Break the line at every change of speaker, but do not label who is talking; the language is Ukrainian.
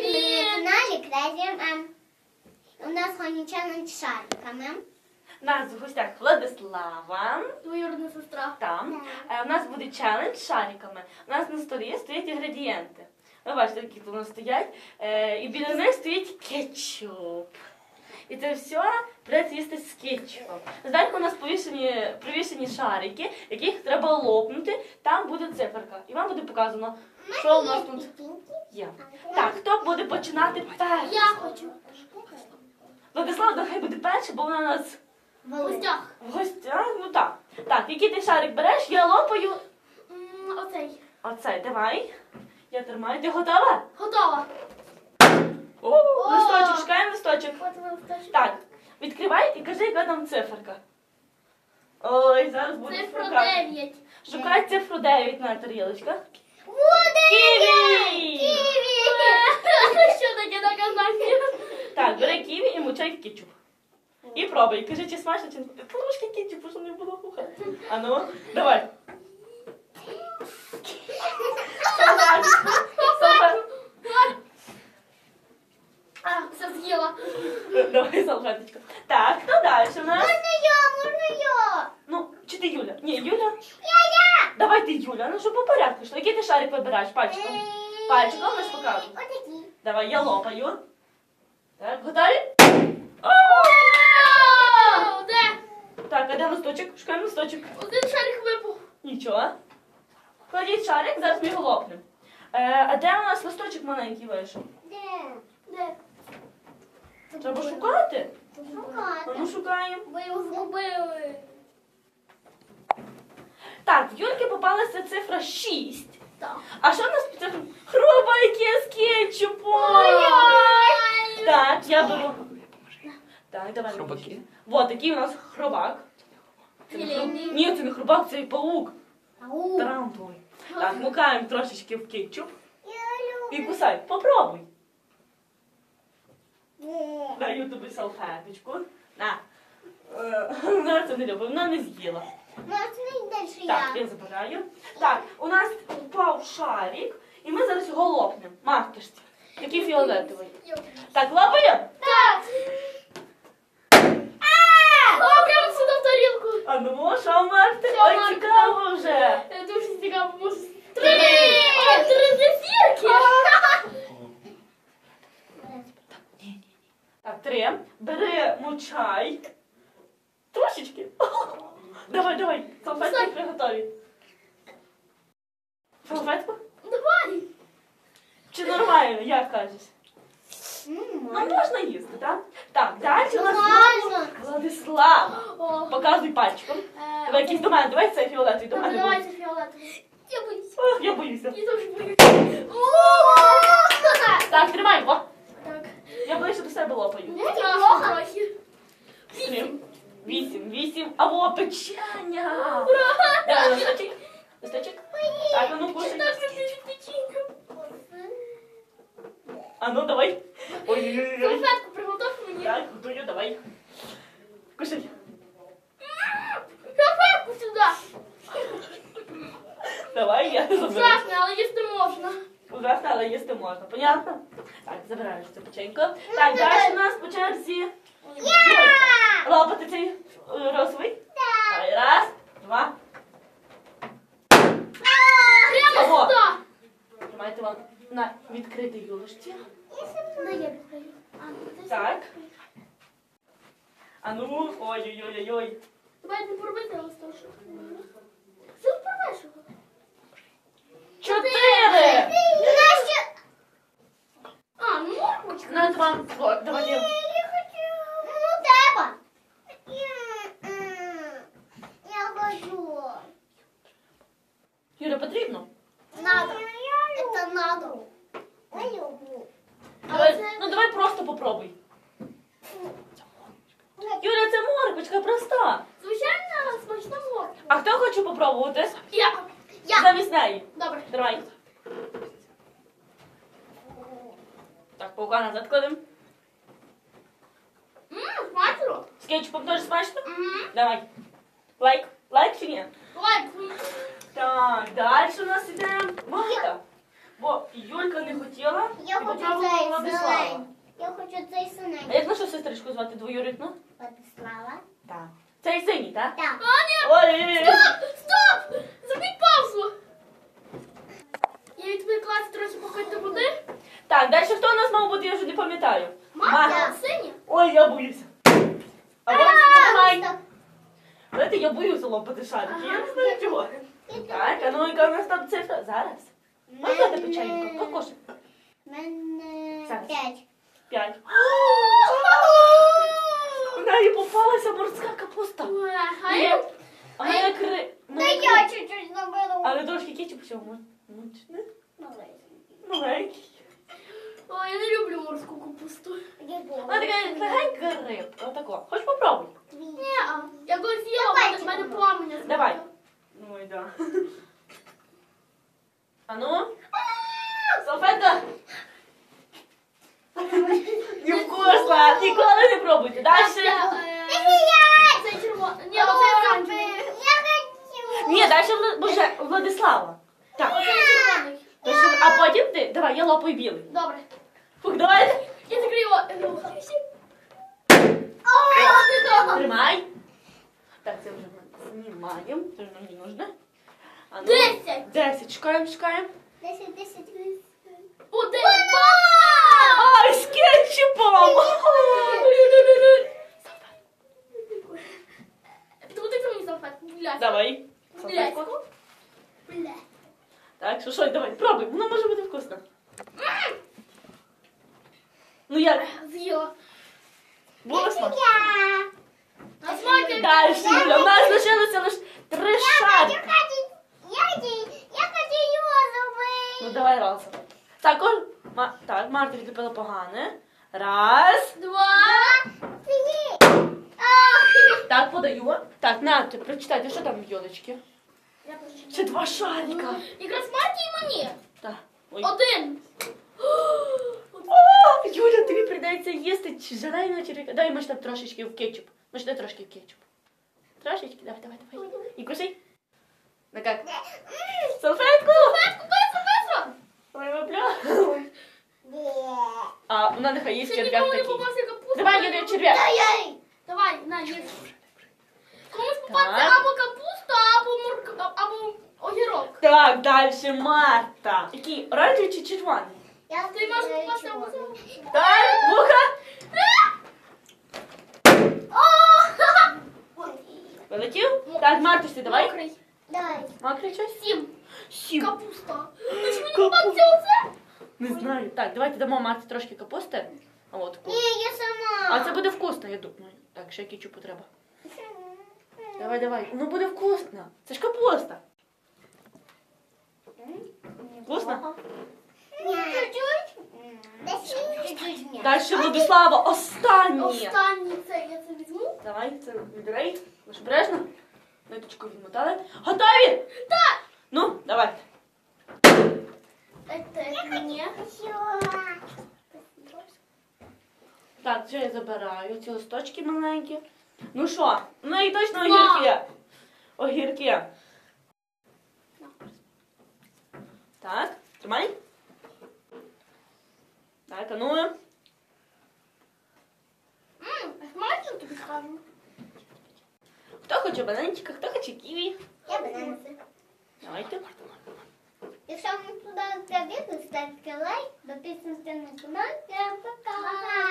Привіт! На каналі Crazy M. У нас сьогодні челендж з шариками.
У нас в гостях Владислава.
Двоюрідна сестра.
Там. У нас буде челендж з шариками. У нас на столі стоять інгредієнти. Ви бачите, які тут у нас стоять. І біля них стоїть кетчуп. І це все придеться їсти з кетчупом. Зверху у нас привішені шарики, яких треба лопнути. Там буде циферка. І вам буде показано, що у нас тут є. Так, хто буде починати перший?
Я хочу.
Владислав, нехай буде перший, бо вона у нас
В гостях.
в гостях. Ну так. Так, який ти шарик береш, я лопаю.
Оцей.
Оцей, давай. Я тримаю. Ти готова?
Готова.
О, листочок, шукаємо листочок.
От листочок.
Так, відкривай і кажи, яка там циферка. Ой, зараз буде
Цифра
шукати.
9.
Шукай цифру 9 на тарілочках.
Ківі!
Ківі!
Що таке наказання?
Так, бери ківі і мучай в кетчуп. І пробуй. Кажи, чи смачно, чи не. Трошки кетчупу, щоб не було вуха. А ну, давай. Супер.
А, все з'їла.
Давай салфеточку. Так, хто далі у нас?
Можна я?
Ну, чи ти Юля? Ні, Юля. Я. Давай ти, Юля, ну щоб по порядку йшло. Який ти шарик вибираєш? Пальчиком. Пальчиком я ж покажу.
Отакі.
Давай, я лопаю. Так, готові?
Вау! Де?
Так, а де листочок? Шукаємо листочок.
Один шарик випав.
Нічого. Кладіть шарик, зараз ми його лопнемо. А де у нас листочок маленький вийшов?
Де?
Треба шукати. А
Шукати.
ну шукаємо.
Ви його згубили.
Так, в Юльки попалася цифра 6.
Так.
А що в нас під цифрою? Хробаки з кетчупом. Так, я беру. Так, давай.
Хробаки?
Вот такий у нас хробак. Це не
Філейний.
Ні, це не хробак, це паук.
Ау.
Тарантулий. Так, мукаємо трошечки в кетчуп.
Я
І
люблю.
кусай. Попробуй. Даю тобі салфеточку. На. Вона це не любить, вона не з'їла.
Можна далі
Так,
я?
я забираю. Так, у нас впав шарик, і ми зараз його лопнемо. Мартишці. Який фіолетовий. Так, лопаємо?
Так. О, прямо сюди в тарілку.
А ну, що, Марти?
Що,
Ой,
Марта?
цікаво вже.
Дуже цікаво. Може, 3! О, 3 зефірки.
Так, 3. Бери мучай. Трошечки. Давай, давай. Салфетки приготові. Салфетку?
Давай.
Чи нормально, як кажеш? Ну, можна їсти, так? Так, далі у нас
Нормально.
Владислав.
О.
Показуй пальчиком. Давай якийсь до мене, давай цей фіолетовий до мене.
Давайте фіолетовий. Я боюсь.
Ох, я боюся.
Я теж боюсь.
Так, тримай, о.
Так.
Я ближче до себе лопаю.
Страшно трохи.
7, 8, 8. А во, печення. Давай, листочок. Листочок. Так, а ну кушай.
Так, печенька.
А ну, давай. Ой-ой-ой.
Салфетку приготовь мені.
Так, готую, давай. Кушай.
Салфетку сюди.
Давай, я забираю.
Страшно, але їсти можна.
Ужасно, але їсти можна. Понятно? Так, забираєш цю печеньку. Так, далі у нас по черзі. Юлька. Лопати цей розовий. Давай, раз, два.
Прямо
Або.
сюди.
Тримайте вам на відкритій юлочці.
Дай я відкрию.
Так. А ну, ой-ой-ой-ой.
Давай не порвати листочок. Сил порвеш його.
4!
А, ну морквочка.
На вам. Вот, давайте.
Я хочу. Ну, треба. Я хочу.
Юля, потрібно?
Надо. Это надо. Я люблю.
Давай, ну давай просто попробуй. Юля, це морквочка проста.
Звичайно, смачна морква.
А хто хоче попробувати?
Я.
Замість неї.
Добре.
Давай. Так, паука назад кладемо.
Смачно.
З кетчупом теж смачно?
Мгм.
Давай. Лайк. Лайк чи ні?
Лайк.
Так, далі у нас іде Марта. Бо Юлька не хотіла.
Я
і
хочу
Попробуємо
цей
Владислава.
зелений. Я хочу цей
А
синенький.
як нашу сестричку звати двоюрідну?
Владислава.
Так. Цей синій, так?
Так.
Ой!
Стоп! Зробіть паузу! Я відвлеклася трохи попити води.
Так, далі хто у нас мав бути, я вже не пам'ятаю.
Марта, синя.
Ой, я боюся. А ось давай.
Стоп.
Знаєте, я боюся лопати шарики, я не знаю чого. Так, а ну яка у нас там цифра? Зараз. Можна дати печеньку? Покошик.
Мене
Зараз.
5.
5. У неї попалася морська капуста.
А я...
А мене кри...
Та я чуть-чуть заберу.
Але трошки кетчуп всього. Мучне.
Маленький.
Маленький.
Ой, я не люблю морську капусту.
Вона така легенька рибка. Отако. Хоч попробуй.
Ні, я колись їла,
Давайте.
в мене пламення.
Давай. Ой, да. А ну. Салфетка. Невкусно. Ніколи не пробуйте. Дальше.
Це червоне. Ні, оце оранжевий.
Я хочу.
Ні, далі Боже, Владислава. Так.
Оце червоний.
Дальше, а потім ти. Давай, я лопаю білий.
Добре.
Фух, давай.
Я закрию.
Тримай. Так, це вже ми знімаємо. Це вже нам не нужно. А ну.
10.
10. Чекаємо, чекаємо.
10.
Один.
Ай, з кетчупом!
Туди мені салфетку.
Давай.
Бляську. Бля.
Так, що, давай, пробуй. Воно може бути вкусно. Ну як?
З'їла.
Було смачно?
А смаки?
Далі. У нас лишилося лише 3 шарики.
Я хочу його зробити.
Ну давай разом. Так, так, Марта відліпила погане. Раз.
Два.
Так, подаю. Так, Настя, прочитайте, що там в йолочки?
Я прочитаю.
Це 2 шарика.
Якраз Марті і мені.
Так. Ой.
Один.
О, Юля, тобі прийдеться їсти желейного черв'яка. Дай, може, там трошечки в кетчуп. Може, дай трошки в кетчуп. Трошечки, давай. І кушай. Ну як? Салфетку!
Салфетку, быстро.
Ой, випля. А, вона нехай їсть
Ще
черв'як
ніколи не
такий.
попався капуста.
Давай, Юля, черв'як.
Давай, на, їж. Комусь попався
Так.
або капуста, або огірок.
Так, далі Марта. Який, оранжевий чи червоний?
Ти можеш попасти або
Так, вуха. Вилетів? Так, Мартусі, давай.
Мокрий.
Давай.
Мокрий щось?
7.
7.
Капуста. Ну, чи мені попався оце?
Не знаю. Так, давайте дамо Марті трошки капусти. А от
Ні, я сама.
А це буде вкусно, я думаю. Так, ще кетчупу треба. Давай. Воно буде вкусно. Це ж капуста. Вкусно?
Чуть-чуть. Чуть-чуть.
Далі Владислава, останнє.
Останній це, я це візьму.
Давай, це відрей. Лиш обережно. Ниточку відмотали. Готові?
Так.
Ну, давайте.
Це мені.
Так, це я забираю. Ці листочки маленькі. Ну що? Ну і точно огірки. Огірки. Так, тримай. Так, а ну.
Смачно тобі скажу.
Хто хоче бананчика, хто хоче ківі.
Я банан.
Давайте.
Якщо вам сподобався відео, ставте лайк, підписуйтесь на канал. Пока!